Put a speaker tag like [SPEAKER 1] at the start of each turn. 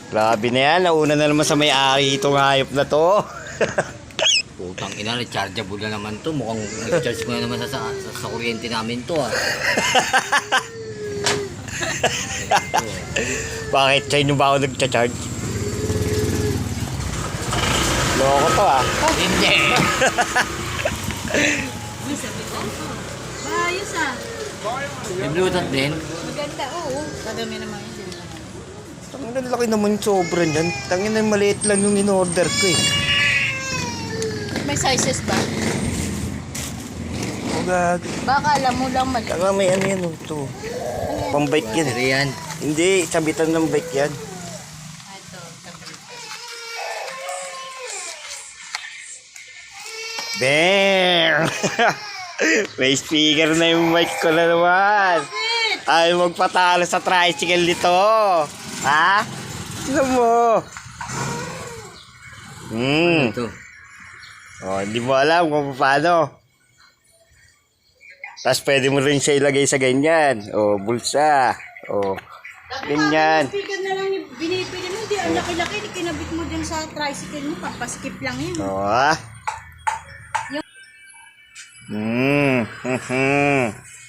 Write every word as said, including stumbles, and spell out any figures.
[SPEAKER 1] Grabe na yan. Nauna na naman sa may-ari itong hayop na to.
[SPEAKER 2] Putang ina, rechargeable na naman to. Mukhang nag-charge mo na naman sa, sa, sa, sa kuryente namin to ah.
[SPEAKER 1] Bakit? Sa inyo ba ako nagcha-charge? Loko to ah.
[SPEAKER 2] Hindi.
[SPEAKER 3] Ayos ah.
[SPEAKER 2] May Bluetooth din.
[SPEAKER 3] Maganda, oo. Kadami naman yun.
[SPEAKER 1] Ang laki naman sobra niyan. Tangin na maliit lang yung in-order ko eh.
[SPEAKER 3] May sizes ba?
[SPEAKER 1] O gag.
[SPEAKER 3] Baka alam mo lang mali.
[SPEAKER 1] Saka may ano yan oh, ito. Pang-bike yan.
[SPEAKER 2] Battery yan.
[SPEAKER 1] Hindi, sabitan ng bike yan.
[SPEAKER 3] Ito.
[SPEAKER 1] Bang! May speaker na yung mic ko na naman. Ay, magpatalo sa tricycle nito. Ha? Ano mo? Hmm.
[SPEAKER 2] Ito.
[SPEAKER 1] Oh, hindi mo alam kung paano. Tapos pwede mo rin siya ilagay sa ganyan. Oh, bulsa. Oh, ganyan.
[SPEAKER 3] Speaker na lang yung binibili mo. Di, ang laki-laki. Kinabit mo dyan sa tricycle mo. Papaskip lang yun.
[SPEAKER 1] Oh, ha? Hmm. Hmm.